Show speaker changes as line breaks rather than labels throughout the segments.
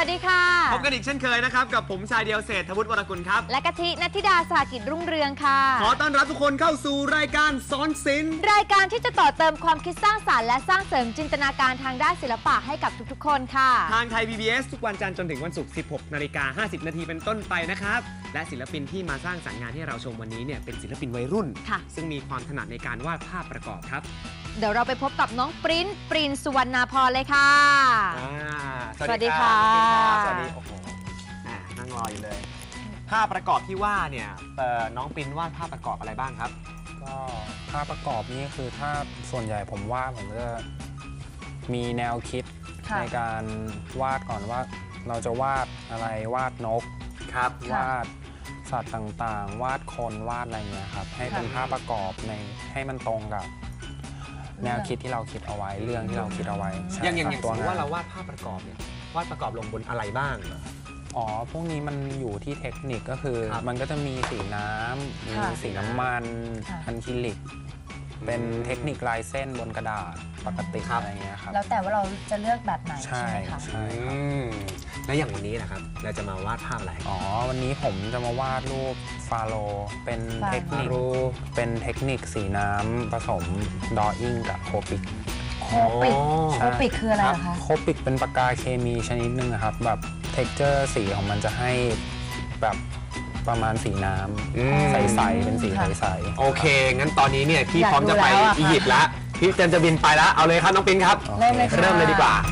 วัสดีค่ะ
พบกันอีกเช่นเคยนะครับกับผมชายเดียวเศรษฐวุฒิวรกุลครับ
และกะทิณัฐธิดาสหกิจรุ่งเรืองค่ะ
ขอต้อนรับทุกคนเข้าสู่รายการสอนศิลป์
รายการที่จะต่อเติมความคิดสร้างสรรค์และสร้างเสริมจินตนาการทางด้านศิลปะให้กับทุกๆคนค่ะ
ทางไทย PBS ทุกวันจันทร์จนถึงวันศุกร์ 16:50 นาทีเป็นต้นไปนะครับและศิลปินที่มาสร้างสรรค์งานให้เราชมวันนี้เนี่ยเป็นศิลปินวัยรุ่นซึ่งมีความถนัดในการวาดภาพประกอบครับ
เดี๋ยวเราไปพบกับน้องปริ้นสุวรรณาพรเลยค่ะ
สวัสดีค่ะสวัสดีโอ้โหนั่งรออยู่เลยภาพประกอบที่ว่าเนี่ยน้องปริ้นวาดภาพประกอบอะไรบ้างครับ
ก็ภาพประกอบนี่คือถ้าส่วนใหญ่ผมวาดผมจะมีแนวคิดในการวาดก่อนว่าเราจะวาดอะไรวาดนก
ครับ
วาดสัตว์ต่างๆวาดคนวาดอะไรเงี้ยครับให้เป็นภาพประกอบให้มันตรงกับแนวคิดที่เราคิดเอาไว้เรื่องที่เราคิดเอาไว้
อย่างสมมติว่าเราวาดภาพประกอบเนี่ยวาดประกอบลงบนอะไรบ้าง
อ๋อพวกนี้มันอยู่ที่เทคนิคก็คือมันก็จะมีสีน้ำมีสีน้ำมันอะคริลิกเป็นเทคนิคลายเส้นบนกระดาษปกติอะไรเงี้ยครับ
แล้วแต่ว่าเราจะเลือกแบบไหนใช่ไหมคะ
ใช่ครับ
แล้วอย่างวันนี้นะครับเราจะมาวาดภาพอะไร
อ๋อวันนี้ผมจะมาวาดรูปฟาโลเป็นเทคนิคสีน้ำผสมดออิ่งกับโคปิก
โคปิกคืออะไรคะ
โคปิกเป็นปากกาเคมีชนิดหนึ่งครับแบบเท็กเจอร์สีของมันจะให้แบบประมาณสีน้ำใสๆเป็นสีใสๆ
โอเคงั้นตอนนี้เนี่ยพี่พร้อมจะไปอียิปต์แล้วพี่จะบินไปแล้วเอาเลยครับน้องปริ้นครับ
เริ่มเลย
ดีกว่า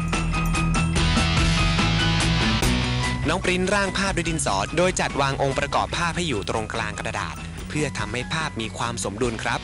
น้องปริ้นร่างภาพด้วยดินสอโดยจัดวางองค์ประกอบภาพให้อยู่ตรงกลางกระดาษเพื่อทำให้ภาพมีความสมดุลครับ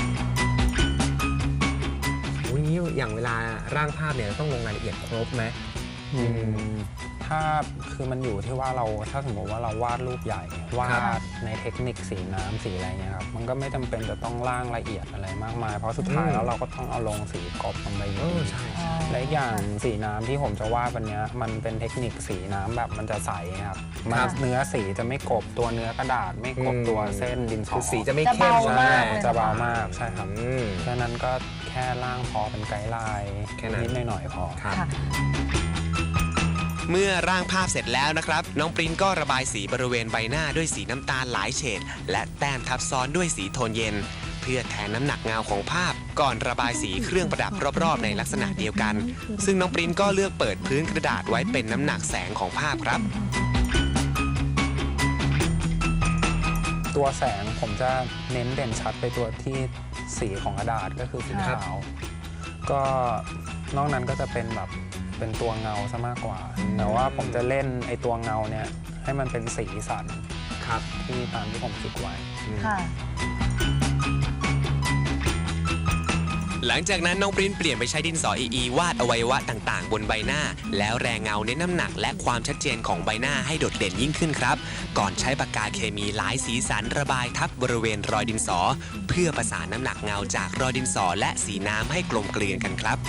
อย่างเวลาร่างภาพเนี่ยต้องลงรายละเอียดครบไหม
ถ้าคือมันอยู่ที่ว่าเราถ้าสมมติว่าเราวาดรูปใหญ่วาดในเทคนิคสีน้ำสีอะไรเงี้ยครับมันก็ไม่จำเป็นจะต้องร่างละเอียดอะไรมากมายเพราะสุดท้ายแล้วเราก็ต้องเอาลงสีกรบลงไปอยู่และอย่างสีน้ำที่ผมจะวาดวันนี้มันเป็นเทคนิคสีน้ำแบบมันจะใสครับเนื้อสีจะไม่กรบตัวเนื้อกระดาษไม่กรบตัวเส้นดินสอ
สีจะไม่เข้ม
จะเบามากใช่ครับฉะนั้นก็แค่ร่างพอเป็นไกด์ไลน์นิดหน่อยพอ
เมื่อร่างภาพเสร็จแล้วนะครับน้องปริ้นก็ระบายสีบริเวณใบหน้าด้วยสีน้ำตาลหลายเฉดและแต้มทับซ้อนด้วยสีโทนเย็นเพื่อแทนน้ำหนักเงาของภาพก่อนระบายสีเครื่องประดับรอบๆในลักษณะเดียวกันซึ่งน้องปริ้นก็เลือกเปิดพื้นกระดาษไว้เป็นน้ำหนักแสงของภาพครับ
ตัวแสงผมจะเน้นเด่นชัดไปตัวที่สีของกระดาษก็คือสีขาวก็นอกนั้นก็จะเป็นแบบเป็นตัวเงาซะมากกว่าแต่ว่าผมจะเล่นไอตัวเงาเนี่ยให้มันเป็นสีสัน
ครับ
ที่ตามที่ผมคิดไว้
หลังจากนั้นน้องปริ้นเปลี่ยนไปใช้ดินสออีวาดอวัยวะต่างๆบนใบหน้าแล้วแรงเงาเน้นน้ำหนักและความชัดเจนของใบหน้าให้โดดเด่นยิ่งขึ้นครับก่อนใช้ปากกาเคมีหลายสีสันระบายทับบริเวณรอยดินสอเพื่อประสานน้ำหนักเงาจากรอยดินสอและสีน้ำให้กลมเกลียนกันครับ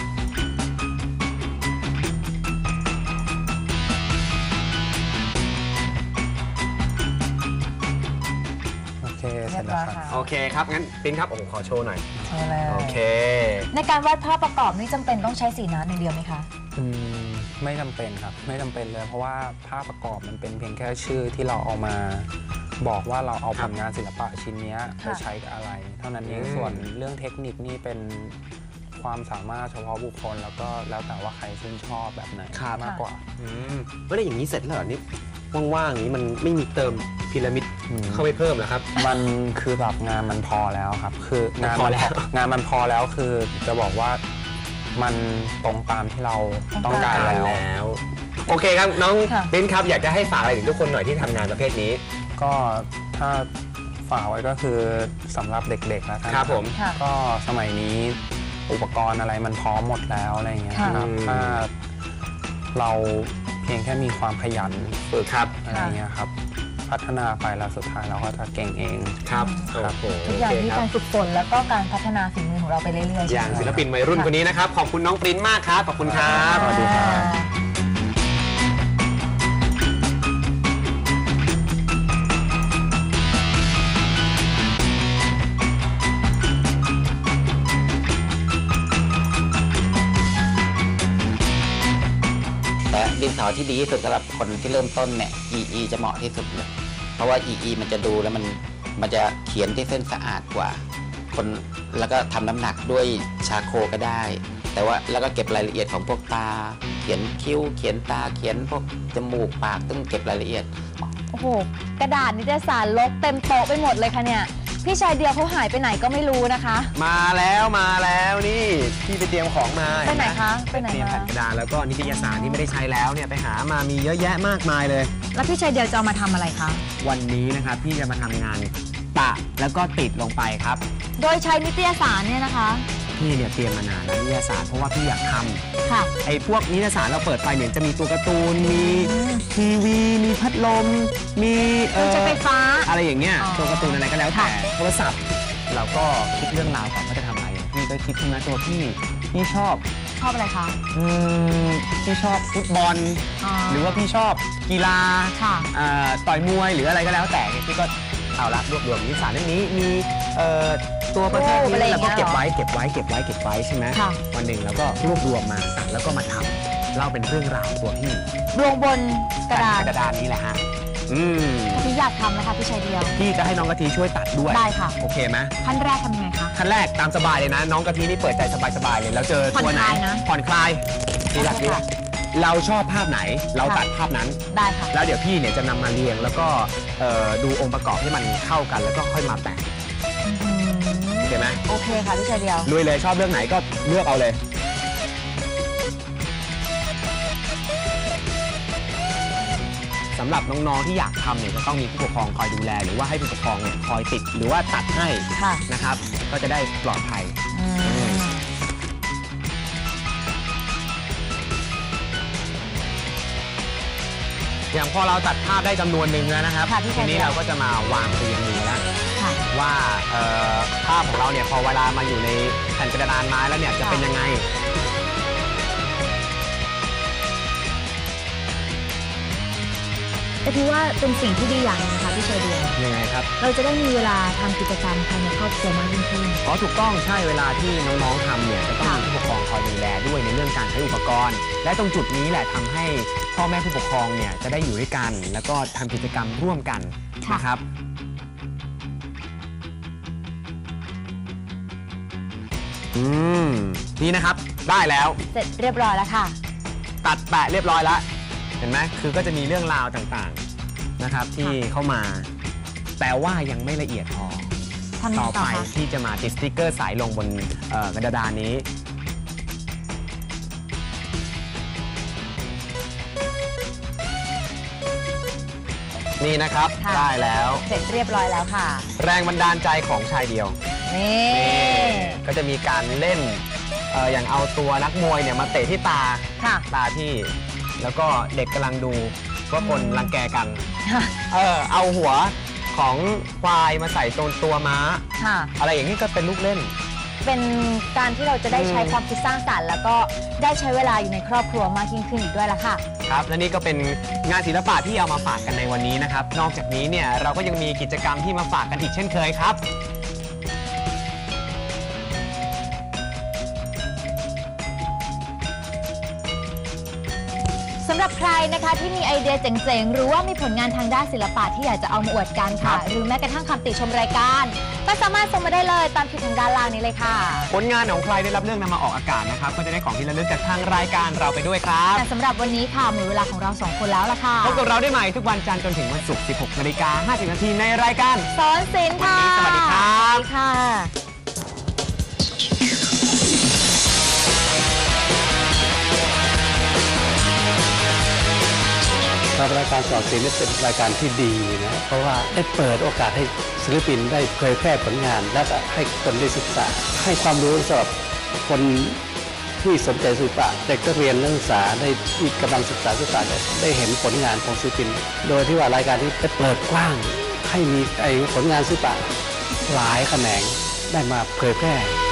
เสร็จแล้วครับ
โอเคครับงั้นปริ้นครับโอ้โหขอโชว์หน่อยโอเค
ในการวาดภาพประกอบนี่จำเป็นต้องใช้สีน้ำอย่างเดียวไหมคะ
ไม่จำเป็นครับไม่จำเป็นเลยเพราะว่าภาพประกอบมันเป็นเพียงแค่ชื่อที่เราเอามาบอกว่าเราเอาผลงานศิลปะชิ้นนี้ไปใช้กับอะไรเท่านั้นเองส่วนเรื่องเทคนิคนี่เป็นความสามารถเฉพาะบุคคลแล้วก็แล้วแต่ว่าใครชื่นชอบแบบไหนมากกว่า
ไม่ได้อย่างนี้เสร็จแล้วเหรอนี่ว่างๆอย่างนี้มันไม่มีเติมพีระมิดเข้าไปเพิ่มเหรอครับ
มันคือแบบงานมันพอแล้วครับคืองานมันพอแล้วคือจะบอกว่ามันตรงตามที่เราต้องการแล้ว
โอเคครับน้องปริ้นครับอยากจะให้ฝากอะไรถึงทุกคนหน่อยที่ทำงานประเภทนี้
ก็ถ้าฝากไว้ก็คือสำหรับเด็กๆแล้วกัน
ครับผม
ก็สมัยนี้อุปกรณ์อะไรมันพร้อมหมดแล้วอะไรอย่างเงี้ยครับถ้าเราเพียงแค่มีความขยันฝึกอะไรเงี้ยครับพัฒนาไปแล้วสุดท้ายเราก็จะเก่งเอง
ครับ
ทุกอย่างที่การฝึกฝนแล้วก็การพัฒนาฝีมือของเราไปเรื่อยๆ
อย่างศิลปินวัยรุ่นคนนี้นะครับขอบคุณน้องปริ้นมากครับขอบคุณครับ
สวัสดีครับ
แต่ดินสอที่ดีที่สุดสำหรับคนที่เริ่มต้นเนี่ย EE จะเหมาะที่สุดเลยเพราะว่า EE มันจะดูแล้วมันจะเขียนที่เส้นสะอาดกว่าคนแล้วก็ทำน้ำหนักด้วยชาโคก็ได้แต่ว่าแล้วก็เก็บรายละเอียดของพวกตาเขียนคิ้วเขียนตาเขียนพวกจมูกปากต้องเก็บรายละเอียด
โอ้โหกระดาษนิตยสารลกเต็มโต๊ะไปหมดเลยค่ะเนี่ยพี่ชายเดียวเขาหายไปไหนก็ไม่รู้นะคะ
มาแล้วนี่พี่ไปเตรียมของมา
ไปไหนคะไปไหน
เตรียมแผ่นกระดาษแล้วก็นิตยสารที่ไม่ได้ใช้แล้วเนี่ยไปหามามีเยอะแยะมากมายเลย
แล้วพี่ชายเดียวจะเอามาทำอะไรคะ
วันนี้นะครับพี่จะมาทำงานปะแล้วก็ติดลงไปครับ
โดยใช้นิตยสารเนี่ยนะคะ
พี่เนี่ยเตรียมมานานแล้วนิตยสารเพราะว่าพี่อยากทำ
ค่ะ
ไอ้พวกนิตยสารเราเปิดไปเนี่ยจะมีตัวการ์ตูนมีทีวีมีพัดลมมี
ไฟฟ้า
อะไรอย่างเงี้ยตัวการ์ตูนอะไรก็แล้วแต่โทรศัพท์เราก็คิดเรื่องราวก่อนว่าจะทำอะไรพี่ก็คิดขึ้นมาตัวพี่ชอบ
อะไรคะ
พี่ชอบฟุตบอลหรือว่าพี่ชอบกีฬาต่อยมวยหรืออะไรก็แล้วแต่พี่ก็เอาละรวบรวมนิตยสารเล่มนี้มีตัวประเภทนี้แล้วก็เก็บไว้ใช่ไหมวันหนึ่งเราก็รวบรวมมาแล้วก็มาทำเล่าเป็นเรื่องราวตัวพี่
ดวงบนกระ
ดาษนี้แหละฮะ
พี่อยากทำนะคะพี่ชายเดียว
พี่จะให้น้องกะทิช่วยตัดด้วย
ได้ค่ะ
โอเคไหม
ขั้นแรกทำยังไงคะ
ขั้นแรกตามสบายเลยนะน้องกะทินี่เปิดใจสบายเลยแล้วเจอตัวไหนผ่อนคลายนี่แหละเราชอบภาพไหนเราตัดภาพนั้น
ได้ค่ะ
แล้วเดี๋ยวพี่เนี่ยจะนำมาเรียงแล้วก็ดูองค์ประกอบให้มันเข้ากันแล้วก็ค่อยมาแปะโอเคไหม
โอเคค่ะพี่ชายเดียว
ลุยเลยชอบเรื่องไหนก็เลือกเอาเลยสำหรับน้องๆที่อยากทำเนี่ยจะต้องมีผู้ปกครองคอยดูแลหรือว่าให้ผู้ปกครองเนี่ยคอยติดหรือว่าตัดให้นะครับก็จะได้ปลอดภัยอย่างพอเราตัดภาพได้จำนวนหนึ่งแล้วนะครับทีนี้เราก็จะมาวางเรียงมือแล้วว่าภาพของเราเนี่ยพอเวลามาอยู่ในแผ่นกระดานไม้แล้วเนี่ยจะเป็นยังไง
แต่พี่ว่าเป็นสิ่งที่ดีอย่างนึงนะคะพี่ชายเดียว
ยังไงครับ
เราจะได้มีเวลาทำกิจกรรมภายในครอบครัวมากยิ่งขึ้น
ถูกต้องใช่เวลาที่น้องๆทำเนี่ยจะต้องมีผู้ปกครองคอยดูแลด้วยในเรื่องการใช้อุปกรณ์และตรงจุดนี้แหละทำให้พ่อแม่ผู้ปกครองเนี่ยจะได้อยู่ด้วยกันแล้วก็ทำกิจกรรมร่วมกันนะครับนี่นะครับได้แล้ว
เสร็จเรียบร้อยแล้วค่ะ
ตัดแปะเรียบร้อยแล้วเห็นไหมคือก็จะมีเรื่องราวต่างๆนะครับที่เข้ามาแต่ว่ายังไม่ละเอียดพอต่อไปที่จะมาติดสติ๊กเกอร์สายลงบนกระดานนี้นี่นะครับได้แล้ว
เสร็จเรียบร้อยแล้วค่ะ
แรงบันดาลใจของชายเดียว
นี่
ก็จะมีการเล่นอย่างเอาตัวนักมวยเนี่ยมาเตะที่ตาที่แล้วก็เด็กกำลังดูว่าคนรังแกกันเอาหัวของควายมาใส่ตัวม้าอะไรอย่างนี้ก็เป็นลูกเล่น
เป็นการที่เราจะได้ใช้ความคิดสร้างสรรค์แล้วก็ได้ใช้เวลาอยู่ในครอบครัวมากยิ่งขึ้นอีกด้วยละค่ะ
ครับและนี่ก็เป็นงานศิลปะที่เอามาฝากกันในวันนี้นะครับนอกจากนี้เนี่ยเราก็ยังมีกิจกรรมที่มาฝากกันอีกเช่นเคยครับ
สำหรับใครนะคะที่มีไอเดียเจ๋งๆหรือว่ามีผลงานทางด้านศิลปะที่อยากจะเอามาอวดกันค่ะหรือแม้กระทั่งคำติชมรายการก็สามารถส่งมาได้เลยตามที่ทางด้านล่างนี้เลยค่ะ
ผลงานของใครได้รับเรื่องนำมาออกอากาศนะครับก็จะได้ของที่ระลึกจากทางรายการเราไปด้วยครับ
แต่สำหรับวันนี้ค่ะหมดเวลาของเรา2คนแล้วล่ะค่ะ
พบกับเราได้ใหม่ทุกวันจันทร์จนถึงวันศุกร์ 16:50 น.ในรายการ
สอนศิลป์ค่ะ
สวัสดีครับ
ค่ะ
รายการสอนศิลป์เป็นรายการที่ดีนะเพราะว่าได้เปิดโอกาสให้ศิลปินได้เผยแพร่ผลงานและให้คนได้ศึกษาให้ความรู้สำหรับคนที่สนใจศิลปะเด็กนักเรียนนักศึกษาได้ที่กำลังศึกษาได้เห็นผลงานของศิลปินโดยที่ว่ารายการนี้ได้เปิดกว้างให้มีผลงานศิลปะหลายแขนงได้มาเผยแพร่